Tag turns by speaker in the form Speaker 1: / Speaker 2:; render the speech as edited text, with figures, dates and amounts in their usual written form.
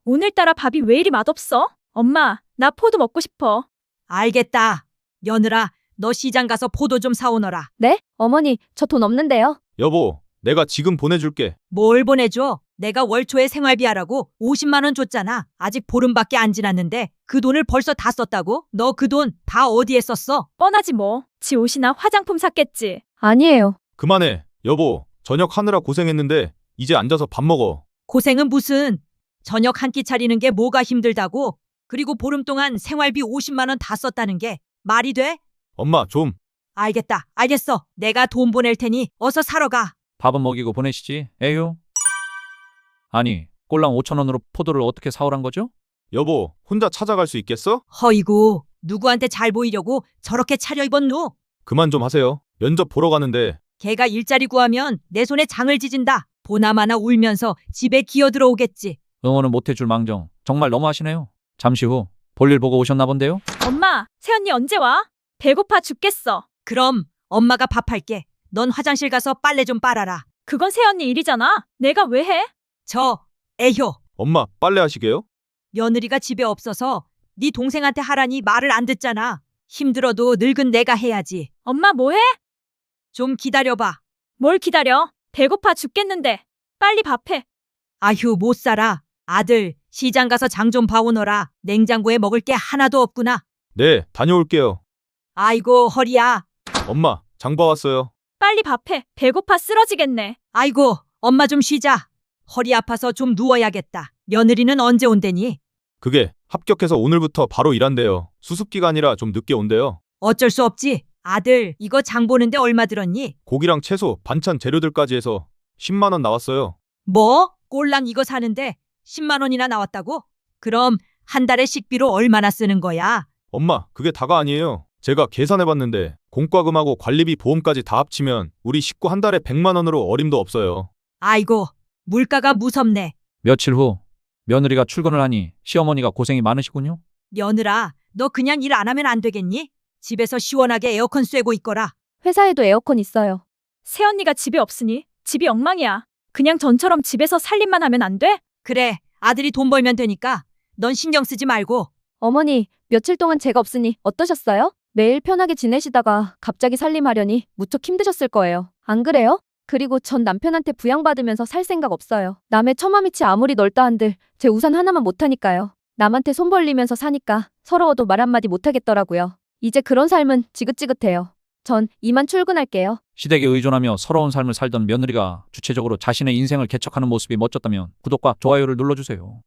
Speaker 1: 오늘따라 밥이 왜 이리 맛없어? 엄마, 나 포도 먹고 싶어.
Speaker 2: 알겠다. 며느라, 너 시장 가서 포도 좀 사오너라.
Speaker 3: 네? 어머니, 저 돈 없는데요.
Speaker 4: 여보, 내가 지금 보내줄게.
Speaker 2: 뭘 보내줘? 내가 월 초에 생활비 하라고 50만 원 줬잖아. 아직 보름밖에 안 지났는데 그 돈을 벌써 다 썼다고? 너 그 돈 다 어디에 썼어?
Speaker 1: 뻔하지 뭐. 지 옷이나 화장품 샀겠지.
Speaker 3: 아니에요.
Speaker 4: 그만해. 여보, 저녁 하느라 고생했는데 이제 앉아서 밥 먹어.
Speaker 2: 고생은 무슨? 저녁 한 끼 차리는 게 뭐가 힘들다고? 그리고 보름 동안 생활비 50만 원 다 썼다는 게 말이 돼?
Speaker 4: 엄마, 좀.
Speaker 2: 알겠다. 알겠어. 내가 돈 보낼 테니 어서 사러 가.
Speaker 5: 밥은 먹이고 보내시지. 에휴. 아니, 꼴랑 5천 원으로 포도를 어떻게 사오란 거죠?
Speaker 4: 여보, 혼자 찾아갈 수 있겠어?
Speaker 2: 허이구, 누구한테 잘 보이려고 저렇게 차려입었누?
Speaker 4: 그만 좀 하세요. 면접 보러 가는데.
Speaker 2: 걔가 일자리 구하면 내 손에 장을 지진다. 보나마나 울면서 집에 기어 들어오겠지.
Speaker 5: 응원은 못해줄 망정. 정말 너무하시네요. 잠시 후 볼일 보고 오셨나 본데요?
Speaker 1: 엄마, 새언니 언제 와? 배고파 죽겠어.
Speaker 2: 그럼 엄마가 밥할게. 넌 화장실 가서 빨래 좀 빨아라.
Speaker 1: 그건 새언니 일이잖아. 내가 왜 해?
Speaker 2: 애효.
Speaker 4: 엄마, 빨래 하시게요?
Speaker 2: 며느리가 집에 없어서 네 동생한테 하라니 말을 안 듣잖아. 힘들어도 늙은 내가 해야지.
Speaker 1: 엄마 뭐 해?
Speaker 2: 좀 기다려봐.
Speaker 1: 뭘 기다려? 배고파 죽겠는데. 빨리 밥해.
Speaker 2: 아휴, 못 살아. 아들, 시장 가서 장 좀 봐오너라. 냉장고에 먹을 게 하나도 없구나.
Speaker 4: 네, 다녀올게요.
Speaker 2: 아이고, 허리야.
Speaker 4: 엄마, 장 봐왔어요.
Speaker 1: 빨리 밥해. 배고파 쓰러지겠네.
Speaker 2: 아이고, 엄마 좀 쉬자. 허리 아파서 좀 누워야겠다. 며느리는 언제 온대니?
Speaker 4: 그게 합격해서 오늘부터 바로 일한대요. 수습기간이라 좀 늦게 온대요.
Speaker 2: 어쩔 수 없지. 아들, 이거 장 보는데 얼마 들었니?
Speaker 4: 고기랑 채소, 반찬 재료들까지 해서 10만 원 나왔어요.
Speaker 2: 뭐? 꼴랑 이거 사는데 10만 원이나 나왔다고? 그럼 한 달에 식비로 얼마나 쓰는 거야?
Speaker 4: 엄마, 그게 다가 아니에요. 제가 계산해봤는데 공과금하고 관리비 보험까지 다 합치면 우리 식구 한 달에 100만 원으로 어림도 없어요.
Speaker 2: 아이고, 물가가 무섭네.
Speaker 5: 며칠 후 며느리가 출근을 하니 시어머니가 고생이 많으시군요.
Speaker 2: 며느라, 너 그냥 일 안 하면 안 되겠니? 집에서 시원하게 에어컨 쐬고 있거라.
Speaker 3: 회사에도 에어컨 있어요.
Speaker 1: 새언니가 집에 없으니 집이 엉망이야. 그냥 전처럼 집에서 살림만 하면 안 돼?
Speaker 2: 그래, 아들이 돈 벌면 되니까 넌 신경 쓰지 말고.
Speaker 3: 어머니, 며칠 동안 제가 없으니 어떠셨어요? 매일 편하게 지내시다가 갑자기 살림하려니 무척 힘드셨을 거예요. 안 그래요? 그리고 전 남편한테 부양받으면서 살 생각 없어요. 남의 처마밑이 아무리 넓다 한들 제 우산 하나만 못하니까요. 남한테 손 벌리면서 사니까 서러워도 말 한마디 못하겠더라고요. 이제 그런 삶은 지긋지긋해요. 전 이만 출근할게요.
Speaker 5: 시댁에 의존하며 서러운 삶을 살던 며느리가 주체적으로 자신의 인생을 개척하는 모습이 멋졌다면 구독과 좋아요를 눌러주세요.